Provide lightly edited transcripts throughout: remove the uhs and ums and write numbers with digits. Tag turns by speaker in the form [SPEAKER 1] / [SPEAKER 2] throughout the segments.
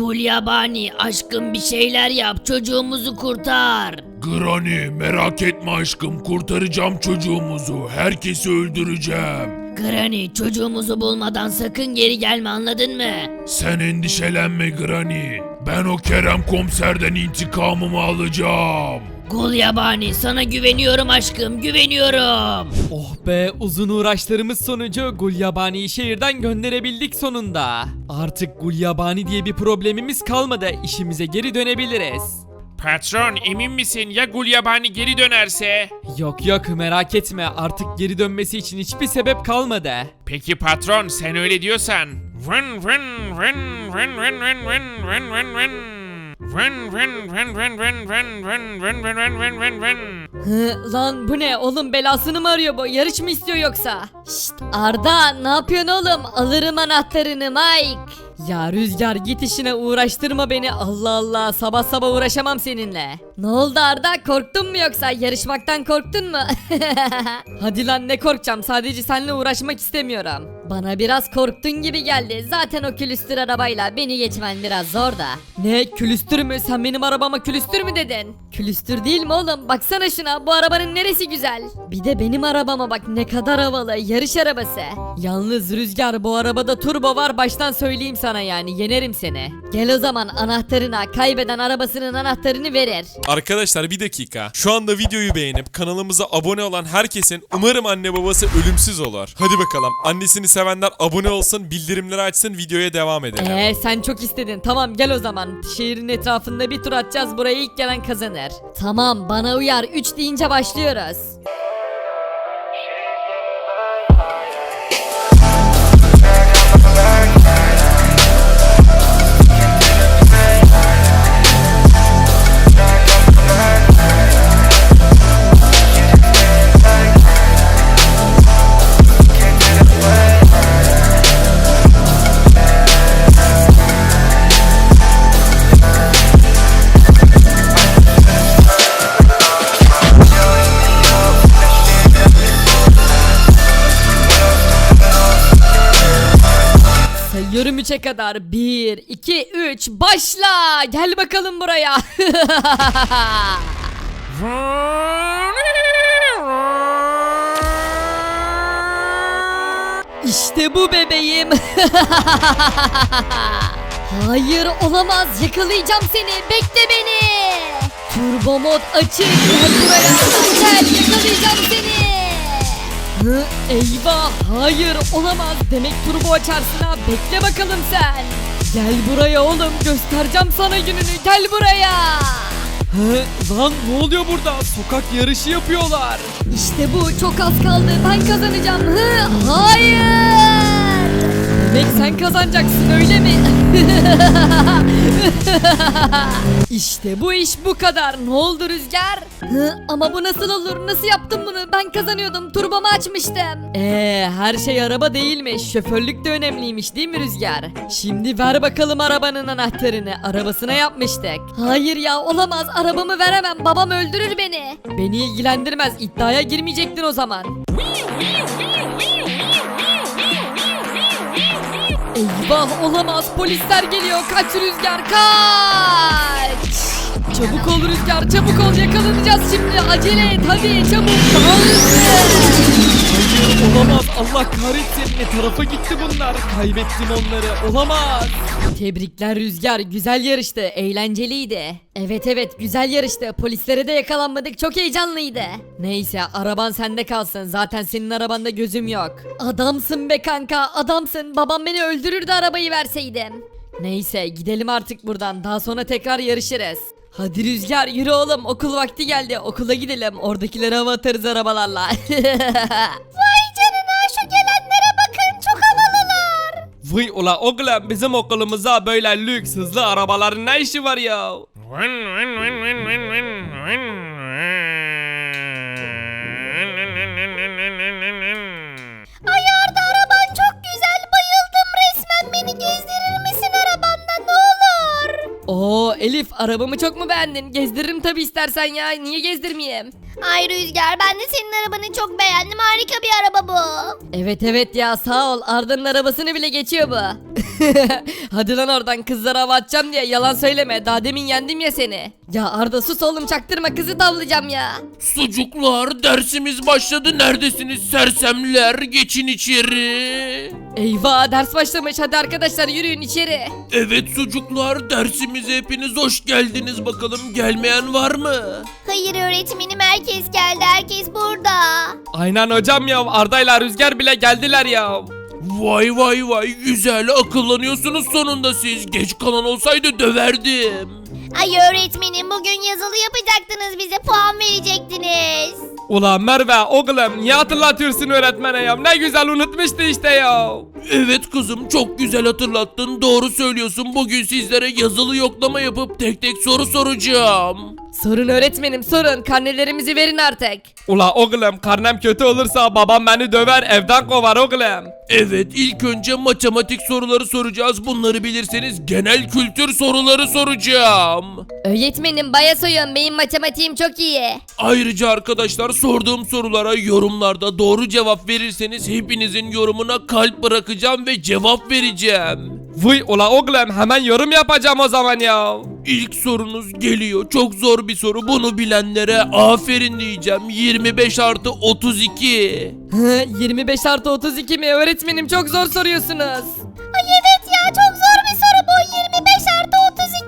[SPEAKER 1] Gulyabani aşkım bir şeyler yap, çocuğumuzu kurtar.
[SPEAKER 2] Granny merak etme aşkım, kurtaracağım çocuğumuzu. Herkesi öldüreceğim.
[SPEAKER 1] Granny, çocuğumuzu bulmadan sakın geri gelme, anladın mı?
[SPEAKER 2] Sen endişelenme Granny. Ben o Kerem komiserden intikamımı alacağım.
[SPEAKER 1] Gulyabani, sana güveniyorum aşkım, güveniyorum.
[SPEAKER 3] Oh be, uzun uğraşlarımız sonucu Gulyabani'yi şehirden gönderebildik sonunda. Artık Gulyabani diye bir problemimiz kalmadı. İşimize geri dönebiliriz.
[SPEAKER 4] Patron, emin misin ya Gulyabani geri dönerse?
[SPEAKER 3] Yok yok, merak etme, artık geri dönmesi için hiçbir sebep kalmadı.
[SPEAKER 4] Peki patron, sen öyle diyorsan. Vın vın vın vın vın vın vın vın vın vın. Vın vın vın vın vın vın vın vın vın vın vın vın.
[SPEAKER 5] Lan bu ne oğlum, belasını mı arıyor bu? Yarış mı istiyor yoksa? Şşt Arda, ne yapıyorsun oğlum? Alırım anahtarını Mike. Ya Rüzgar, git işine, uğraştırma beni. Allah Allah, sabah sabah uğraşamam seninle. Ne oldu Arda, korktun mu yoksa? Yarışmaktan korktun mu? Hadi lan, ne korkacağım, sadece seninle uğraşmak istemiyorum. Bana biraz korktun gibi geldi. Zaten o külüstür arabayla beni geçmen biraz zor da. Ne külüstür mü? Sen benim arabama külüstür mü dedin? Külüstür değil mi oğlum? Baksana şuna, bu arabanın neresi güzel? Bir de benim arabama bak, ne kadar havalı, yarış arabası. Yalnız Rüzgar, bu arabada turbo var, baştan söyleyeyim sana, yani yenerim seni. Gel o zaman, anahtarına, kaybeden arabasının anahtarını verir.
[SPEAKER 6] Arkadaşlar bir dakika. Şu anda videoyu beğenip kanalımıza abone olan herkesin umarım anne babası ölümsüz olur. Hadi bakalım. Annesini sevenler abone olsun, bildirimleri açsın, videoya devam edelim.
[SPEAKER 5] Sen çok istedin. Tamam, gel o zaman. Şehrin etrafında bir tur atacağız. Buraya ilk gelen kazanır. Tamam, bana uyar. 3 deyince başlıyoruz. Sayıyorum 3'e kadar. 1, 2, 3, başla. Gel bakalım buraya. İşte bu bebeğim. Hayır, olamaz. Yakalayacağım seni. Bekle beni. Turbo mod açık. Gel buraya. Gel, yakalayacağım seni. Eyvah, hayır, olamaz. Demek turbo açarsın ha. Bekle bakalım sen. Gel buraya oğlum, göstereceğim sana gününü. Gel buraya.
[SPEAKER 3] Lan ne oluyor burada? Sokak yarışı yapıyorlar.
[SPEAKER 5] İşte bu, çok az kaldı. Ben kazanacağım. Hayır. Demek sen kazanacaksın, öyle mi? İşte bu iş bu kadar. Ne oldu Rüzgar? Ama bu nasıl olur? Nasıl yaptım bunu? Ben kazanıyordum. Turbomu açmıştım. Her şey araba değilmiş. Şoförlük de önemliymiş, değil mi Rüzgar? Şimdi ver bakalım arabanın anahtarını. Arabasına yapmıştık. Hayır ya, olamaz. Arabamı veremem. Babam öldürür beni. Beni ilgilendirmez. İddiaya girmeyecektin o zaman. Eyvah, olamaz, polisler geliyor. Kaç Rüzgar, kaç. Çabuk ol Rüzgar, çabuk ol, yakalanacağız şimdi. Acele et hadi, çabuk.
[SPEAKER 3] Hayır, olamaz, Allah kahretsin, ne tarafa gitti bunlar? Kaybettim onları, olamaz.
[SPEAKER 5] Tebrikler Rüzgar, güzel yarıştı, eğlenceliydi. Evet, güzel yarıştı, polislere de yakalanmadık, çok heyecanlıydı. Neyse, araban sende kalsın, zaten senin arabanda gözüm yok. Adamsın be kanka, adamsın. Babam beni öldürürdü arabayı verseydim. Neyse, gidelim artık buradan, daha sonra tekrar yarışırız. Hadi Rüzgar, yürü oğlum, okul vakti geldi, okula gidelim, oradakilere hava atarız arabalarla. Vay canına, şu gelenlere bakın, çok havalılar.
[SPEAKER 3] Vay ula oğlum, bizim okulumuzda böyle lüks hızlı arabaların ne işi var ya?
[SPEAKER 4] Vın vın vın vın vın vın vın.
[SPEAKER 5] Ay Arda, araban çok güzel, bayıldım resmen, beni gezdirir misin arabanda, ne olur? Oo Elif, arabamı çok mu beğendin? Gezdiririm tabi, istersen ya, niye gezdirmeyeyim?
[SPEAKER 7] Ay Rüzgar, ben de senin arabanı çok beğendim. Harika bir araba bu.
[SPEAKER 5] Evet evet ya, sağ ol, Arda'nın arabasını bile geçiyor bu. Hadi lan oradan, kızlara hava atacağım diye yalan söyleme, daha demin yendim ya seni. Ya Arda sus oğlum, çaktırma, kızı tavlayacağım ya.
[SPEAKER 2] Sucuklar, dersimiz başladı. Neredesiniz sersemler? Geçin içeri.
[SPEAKER 5] Eyvah, ders başlamış, hadi arkadaşlar yürüyün içeri.
[SPEAKER 2] Evet sucuklar, dersimize hepiniz hoş geldiniz. Bakalım gelmeyen var mı?
[SPEAKER 7] Hayır öğretmenim, herkes geldi. Herkes burada.
[SPEAKER 3] Aynen hocam ya, Arda'yla Rüzgar bile geldiler ya.
[SPEAKER 2] Vay vay vay, güzel akıllanıyorsunuz sonunda siz. Geç kalan olsaydı döverdim.
[SPEAKER 7] Ay öğretmenim, bugün yazılı yapacaktınız, bize puan verecektiniz.
[SPEAKER 3] Ulan Merve oğlum, niye hatırlatıyorsun öğretmene ya? Ne güzel unutmuştu işte ya.
[SPEAKER 2] Evet kızım, çok güzel hatırlattın. Doğru söylüyorsun. Bugün sizlere yazılı yoklama yapıp tek tek soru soracağım.
[SPEAKER 5] Sorun öğretmenim, sorun, karnelerimizi verin artık.
[SPEAKER 3] Ula oğlum, karnem kötü olursa babam beni döver, evden kovar oğlum.
[SPEAKER 2] Evet, ilk önce matematik soruları soracağız. Bunları bilirseniz genel kültür soruları soracağım.
[SPEAKER 5] Öğretmenim baya soyun, benim matematiğim çok iyi.
[SPEAKER 2] Ayrıca arkadaşlar, sorduğum sorulara yorumlarda doğru cevap verirseniz hepinizin yorumuna kalp bırakacağım ve cevap vereceğim.
[SPEAKER 3] Vay ula oğlum, hemen yorum yapacağım o zaman ya.
[SPEAKER 2] İlk sorunuz geliyor. Çok zor bir soru. Bunu bilenlere aferin diyeceğim. 25 artı 32.
[SPEAKER 5] 25 artı 32 mi? Öğretmenim çok zor soruyorsunuz.
[SPEAKER 7] Ay evet ya, çok zor bir soru bu. 25 artı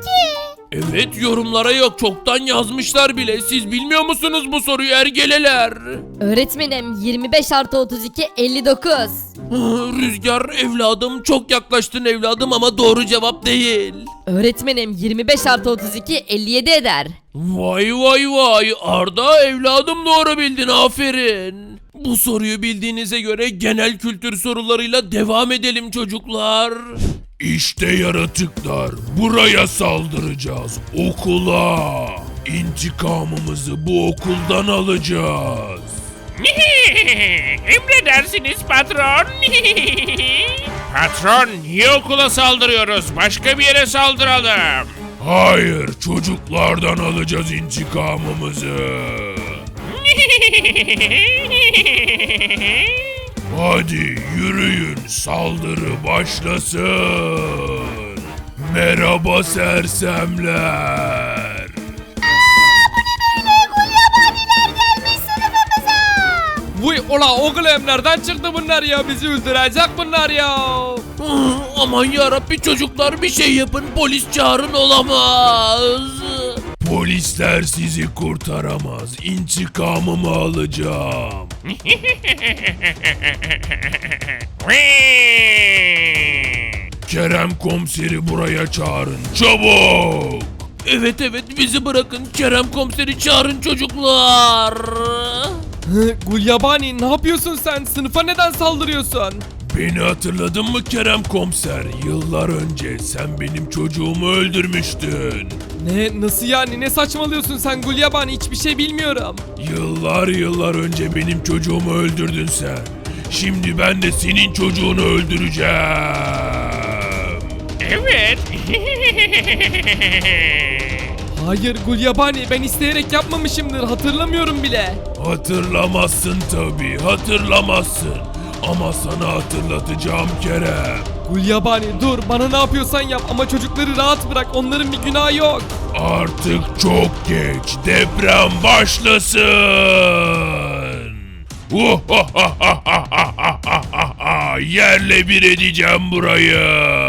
[SPEAKER 7] 32.
[SPEAKER 2] Evet, yorumlara yok. Çoktan yazmışlar bile. Siz bilmiyor musunuz bu soruyu ergeleler?
[SPEAKER 5] Öğretmenim 25 artı 32 59.
[SPEAKER 2] Rüzgar evladım, çok yaklaştın evladım ama doğru cevap değil.
[SPEAKER 5] Öğretmenim 25 artı 32 57 eder.
[SPEAKER 2] Vay vay vay, Arda evladım doğru bildin, aferin. Bu soruyu bildiğinize göre genel kültür sorularıyla devam edelim çocuklar. İşte yaratıklar, buraya saldıracağız, okula. İntikamımızı bu okuldan alacağız.
[SPEAKER 4] Emredersiniz patron. Patron, niye okula saldırıyoruz? Başka bir yere saldıralım.
[SPEAKER 2] Hayır, çocuklardan alacağız intikamımızı. Hadi yürüyün, saldırı başlasın. Merhaba sersemler.
[SPEAKER 3] Vay ula oğlum, nereden çıktı bunlar ya? Bizi öldürecek bunlar ya.
[SPEAKER 2] Aman yarabbi çocuklar, bir şey yapın, polis çağırın, olamaz. Polisler sizi kurtaramaz. İntikamımı alacağım. Kerem komiseri buraya çağırın, çabuk. Evet evet, bizi bırakın, Kerem komiseri çağırın çocuklar.
[SPEAKER 3] Gulyabani, ne yapıyorsun sen? Sınıfa neden saldırıyorsun?
[SPEAKER 2] Beni hatırladın mı Kerem komiser? Yıllar önce sen benim çocuğumu öldürmüştün.
[SPEAKER 3] Ne, nasıl yani? Ne saçmalıyorsun sen Gulyabani? Hiçbir şey bilmiyorum.
[SPEAKER 2] Yıllar önce benim çocuğumu öldürdün sen. Şimdi ben de senin çocuğunu öldüreceğim.
[SPEAKER 4] Evet.
[SPEAKER 3] Hayır Gulyabani, ben isteyerek yapmamışımdır, hatırlamıyorum bile.
[SPEAKER 2] Hatırlamazsın tabii, hatırlamazsın. Ama sana hatırlatacağım Kerem.
[SPEAKER 3] Gulyabani dur, bana ne yapıyorsan yap ama çocukları rahat bırak, onların bir günahı yok.
[SPEAKER 2] Artık çok geç, deprem başlasın. Yerle bir edeceğim burayı.